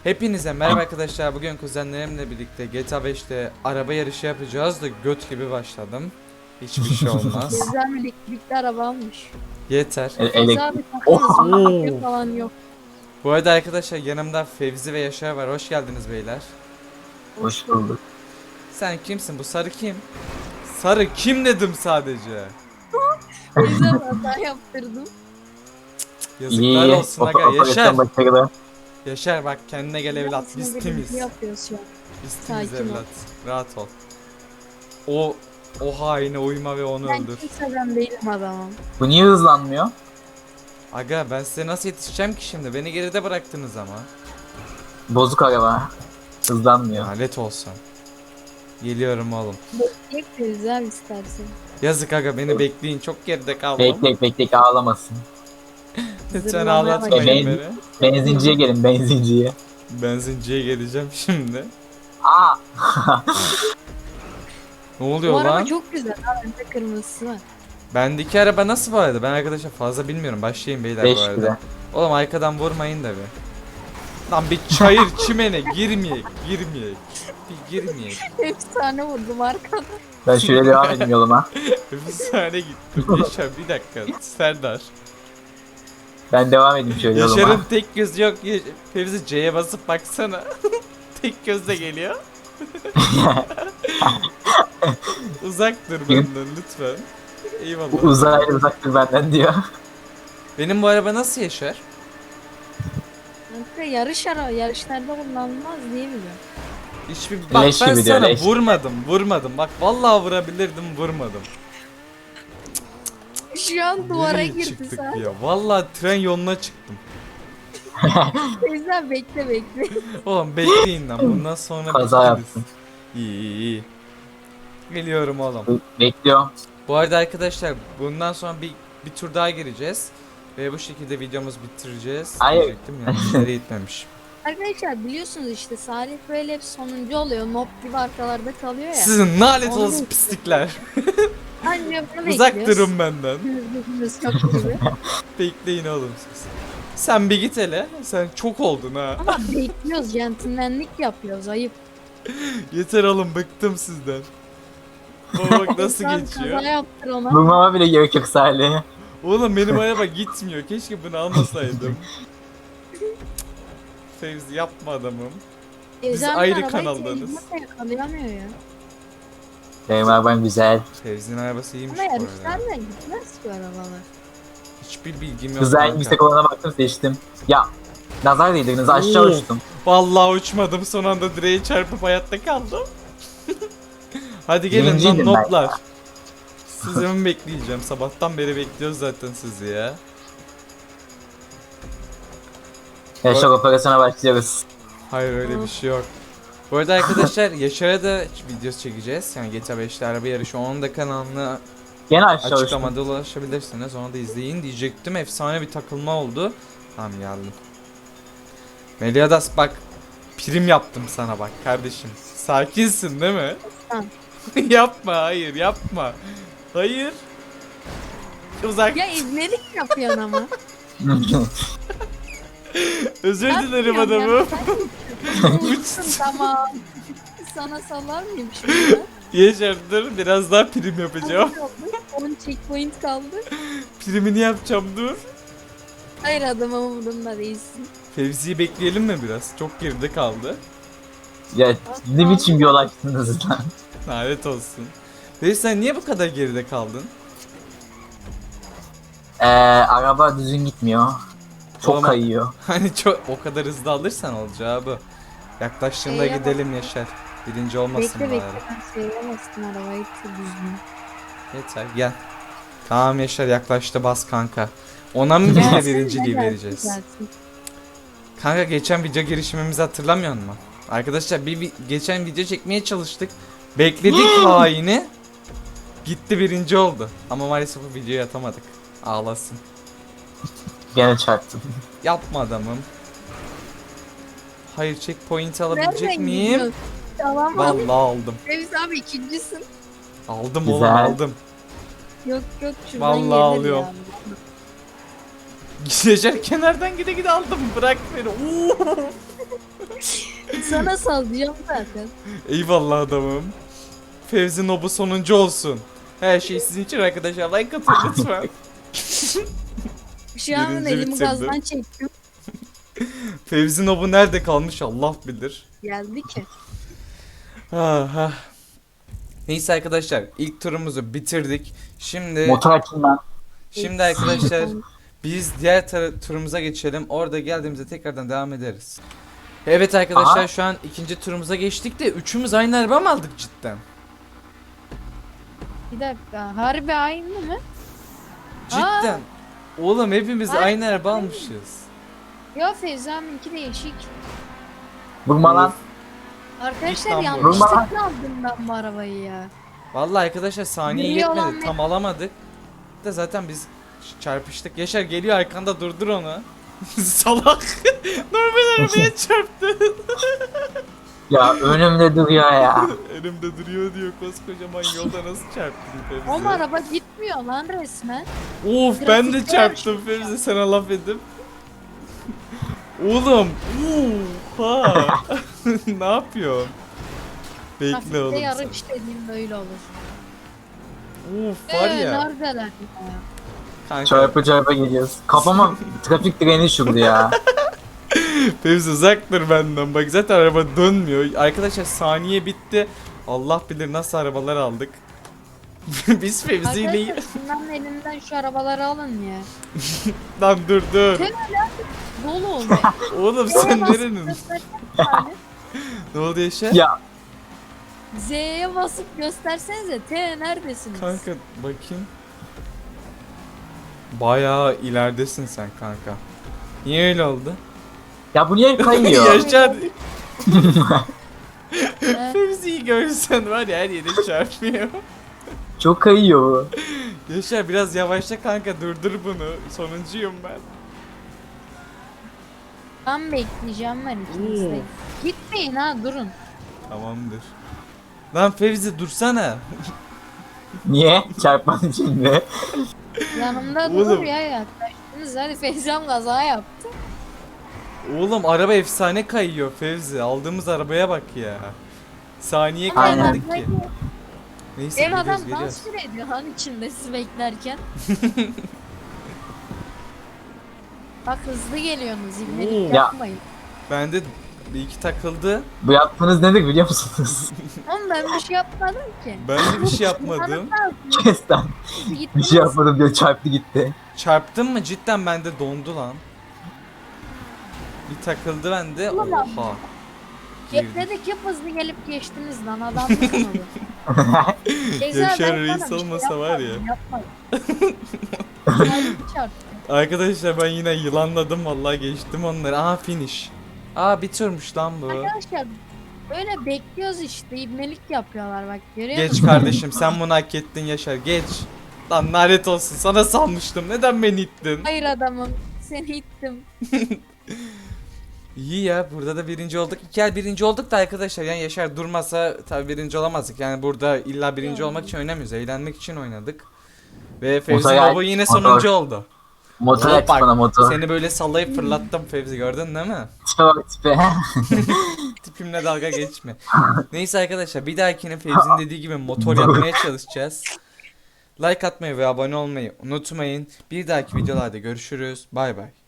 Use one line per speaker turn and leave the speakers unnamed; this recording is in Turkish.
Hepinize merhaba arkadaşlar. Bugün kuzenlerimle birlikte GTA 5'te araba yarışı yapacağız da göt gibi başladım. Hiçbir şey olmaz.
Güzel elektrikli araba almış.
Yeter.
Fevzi abi takarız mı?
Oo.
Mafya falan yok.
Bu arada arkadaşlar yanımda Fevzi ve Yaşar var. Hoş geldiniz beyler.
Hoş bulduk.
Sen kimsin? Bu sarı kim? Sarı kim dedim sadece.
Fevzi abi hata yaptırdım.
Yazıklar olsun aga. Yaşar.
Operasyon başarılı.
Yaşar bak kendine gel evlat. Biz
Aslında
temiz.
birlikte yapıyoruz şu an.
Biz temiz
Sakin ol.
evlat. Rahat ol. O haine uyma ve onu
Ben
öldür.
kimseden değilim adamım.
Bu niye hızlanmıyor?
Aga ben size nasıl yetişeceğim ki şimdi? Beni geride bıraktınız ama.
Bozuk araba. Hızlanmıyor.
Lanet olsun. Geliyorum oğlum.
Bekleyek Fevzi abi istersen.
Yazık aga beni bekleyin. Çok geride kaldım.
Bekle ağlamasın.
Lütfen
Zırlamaya
ağlatmayın
başladı.
beni.
Benzinciye gelin benzinciye.
Benzinciye geleceğim şimdi.
Aa!
Ne oluyor
Bu araba
lan?
çok güzel abi. Bende kırmızısı var.
Bendeki araba nasıl bu arada? Ben arkadaşlar fazla bilmiyorum. Başlayın beyler bu
5
arada.
lira.
Oğlum arkadan vurmayın da bir. Lan bir çayır çimene girmeyek. Bir girmeyek.
Efsane vurdum arkadan.
Ben şöyle devam edeyim yoluma.
Bir saniye gittim. Yaşar bir dakika. Serdar.
Ben devam edeyim şöyle
Yaşar'ın
yoluma.
tek gözü yok. Fevzi C'ye basıp baksana. Tek gözle geliyor. Uzak dur benden lütfen. Eyvallah.
Uzaylı uzaktır benden diyor.
Benim bu araba nasıl Yaşar?
Kanka yarış araba. Yarışlarda kullanılmaz diye biliyorum.
Hiçbir bak
Leş
ben
gibi diyor,
sana
leş.
vurmadım. Bak vallahi vurabilirdim vurmadım.
Şu an duvara
Nereye
girdi
çıktık
sen.
ya? Vallahi tren yoluna çıktım.
Fevzi abi bekle.
Oğlum bekleyin lan bundan sonra
Kaza
bittiniz.
yaptın.
İyi. Geliyorum oğlum.
Bekliyor.
Bu arada arkadaşlar bundan sonra bir tur daha gireceğiz. Ve bu şekilde videomuzu bitireceğiz.
Hayır.
Diyecektim ya. Nereye gitmemiş.
Arkadaşlar biliyorsunuz işte Salih böyle hep sonuncu oluyor. Nob gibi arkalarda kalıyor ya.
Sizin lanet
Onu
olsun pislikler.
Anca bunu
Uzak
bekliyoruz.
durun benden.
Düz çok gibi.
Bekleyin oğlum siz. Sen bir git hele. Sen çok oldun ha.
Ama bekliyoruz. Centilmenlik yapıyoruz. Ayıp.
Yeter oğlum bıktım sizden. Bak nasıl
Sen
geçiyor.
Kaza yaptır ona.
Vurmama bile gerek yok Salih.
Oğlum benim araba gitmiyor. Keşke bunu almasaydım. Fevzi yapma adamım.
Gezen
ayrı
arabayı
kanaldayız.
tecrübe yakalayamıyor ya.
Benim arabam güzel.
Fevzi'nin arabası iyiymiş
Ama
bu arada.
yarışlarla gitmez ki arabalar.
Hiçbir bilgim yok.
Güzel
kanka.
yüksek olana baktım seçtim. Ya nazar değdirdiniz aşağı
Oo.
uçtum.
Vallahi uçmadım. Son anda direğe çarpıp hayatta kaldım. Hadi gelin lan
Birinciydim ben
notlar. Sizi mi bekleyeceğim? Sabahtan beri bekliyoruz zaten sizi ya.
Yaşar operasyona başlıyoruz.
Hayır öyle bir şey yok. Bu arada arkadaşlar Yaşar'a da video çekeceğiz. Yani GTA 5'te araba yarışı. Onun da kanalına
Gene aşağı uçtum.
açıklamada ulaşabilirsiniz. Onu da izleyin diyecektim. Efsane bir takılma oldu. Tamam geldim. Meliadas bak prim yaptım sana bak kardeşim. Sakinsin değil mi?
Tamam.
Yapma hayır yapma. Hayır. Uzak.
Ya izledik yapıyorsun ama.
Özür dilerim
Yapmıyorum ya.
adamım.
Uçsun tamam. Sana salar mıyım şimdi?
Yaşar dur biraz daha prim yapacağım.
10 checkpoint kaldı.
Primini yapacağım dur.
Hayır adamın umurunda değilsin.
Fevzi'yi bekleyelim mi biraz? Çok geride kaldı.
Ya ne biçim bir yol açtınız lan.
Lanet olsun. Fevzi sen niye bu kadar geride kaldın?
Araba düzgün gitmiyor. Çok
Oğlum,
kayıyor.
Hani çok o kadar hızlı alırsan olacağı bu. Yaklaştığında
Şeye
gidelim Yaşar. Birinci olmasın
Bekle
bari.
ben şeye bastım arabayı düzgün.
Yeter gel. Tamam Yaşar yaklaştı bas kanka. Ona mı biz de birinciliği vereceğiz? Kanka geçen video girişimimizi hatırlamıyor musun? Arkadaşlar geçen video çekmeye çalıştık. Bekledik haini. Gitti birinci oldu. Ama maalesef bu videoyu atamadık. Ağlasın.
Gene çarptım.
Yapma adamım. Hayır checkpoint alabilecek
Nereden
miyim?
gidiyorsun? Tamam abi.
Vallahi aldım.
Fevzi abi ikincisin.
Aldım
Güzel.
oğlum aldım.
Yok şuradan
Vallahi
gelir
alıyorum.
ya.
Yaşar kenardan gide aldım. Bırak beni. Oo.
Sana sallayacağım zaten.
Eyvallah adamım. Fevzi Nobu sonuncu olsun. Her şey sizin için arkadaşlar. Like atın lütfen.
Şu an
Birinci
elimi
bitirdim.
gazdan çektim.
Fevzi Nobu nerede kalmış Allah bilir.
Geldi ki.
Ah. Neyse arkadaşlar ilk turumuzu bitirdik.
Motor açayım ben.
Şimdi arkadaşlar biz diğer turumuza geçelim. Orada geldiğimizde tekrardan devam ederiz. Evet arkadaşlar
Aha.
şu an ikinci turumuza geçtik de üçümüz aynı araba mı aldık cidden?
Bir dakika. Harbi aynı mı?
Cidden. Oğlum hepimiz
Ay.
aynı araba almışız.
Ya Feyza'nınki değişik.
Vurma lan.
Arkadaşlar
İstanbul.
yanlışlıkla aldım ben bu arabayı ya.
Vallahi arkadaşlar saniye
Geliyor
yetmedi.
lan
Tam alamadık. Da zaten biz çarpıştık. Yaşar geliyor arkanda durdur onu. Salak. Normal arabaya çarptı.
Ya önümde duruyor ya.
Elimde duruyor diyor koskocaman yolda nasıl çarptın Fevzi?
Ama araba gitmiyor lan resmen.
Of ben de
Grafikte
çarptım
yarışmış
Fevzi sana laf edip. Oğlum. Oha. Ne yapıyorsun? Bekle
Trafikte
oğlum sen.
yarış dediğim böyle olur.
Of var ya.
Neredeler ya?
Kanka
Çarpa geliyoruz. Kafama trafik direni şurdu ya.
Fevzi uzak dur benden. Bak zaten araba dönmüyor. Arkadaşlar saniye bitti. Allah bilir nasıl arabalar aldık. Biz Fevzi ile...
Arkadaşlar şunların elinden şu arabaları alın ya.
Lan dur dur.
Dolu oluyor.
Oğlum
Z'ye
sen
basıp
nerenin?
göstersene yani.
Ne oldu Yaşar?
Ya
Z'ye basıp göstersenize. T neredesiniz?
Kanka bakayım. Bayağı ileridesin sen kanka. Niye öyle oldu?
ya bu niye kayıyor?
Yaşar
He.
Fevzi'yi görsen var ya her yere çarpıyor.
Çok kayıyor bu.
Yaşar biraz yavaşla kanka durdur bunu. Sonuncuyum ben.
Ben bekleyeceğim ben ikiniz de. Gitmeyin ha durun.
Tamamdır. Lan Fevzi dursana.
Niye? Çarpmanın içinde.
Yanımda
Oğlum.
dur ya yaklaştınız. Hadi Feyzam kaza yaptı.
Oğlum araba efsane kayıyor Fevzi. Aldığımız arabaya bak ya. Saniye
Ama
Aynen.
kaymadık
ben
ki. Neyse
Ev
geliyoruz
adam
geliyoruz.
dans bile ediyor lan içinde sizi beklerken. Bak hızlı geliyorsunuz
Oo.
ibnelik
Ya.
yapmayın.
Bende bir iki takıldı.
Bu yaptığınız nedir biliyor musunuz?
Oğlum ben bir şey yapmadım ki.
Ben de bir şey yapmadım.
Kes lan. Bir
Gittiniz.
şey yapmadım diyor çarptı gitti.
Çarptın mı cidden bende dondu lan. Bir takıldı bende.
Ulan.
Oha. Girdi.
Bekledik hep hızlı gelip geçtiniz lan adam mı kanalı?
Yaşar Reis olmasa var ya. Arkadaşlar ben yine yılanladım vallahi geçtim onları. Aha finish. Aa bitirmiş lan bu.
Arkadaşlar böyle bekliyoruz işte ibnelik yapıyorlar bak görüyor
Geç
musun?
kardeşim sen bunu hak ettin Yaşar geç. Lan lanet olsun sana sanmıştım neden beni ittin?
Hayır adamım seni ittim.
İyi ya burada da birinci olduk. İki el birinci olduk da arkadaşlar yani Yaşar durmasa tabi birinci olamazdık. Yani burada illa birinci olmak için oynamıyoruz. Eğlenmek için oynadık. Ve Fevzi
Motor-
Baba yine
motor.
sonuncu oldu.
Motor
Hop
aç
bak,
bana motor.
Seni böyle sallayıp fırlattım Fevzi gördün değil mi?
Tipe bak tipe.
Tipimle dalga geçme. Neyse arkadaşlar bir dahakine Fevzi'nin dediği gibi motor yapmaya çalışacağız. Like atmayı ve abone olmayı unutmayın. Bir dahaki videolarda görüşürüz. Bay bay.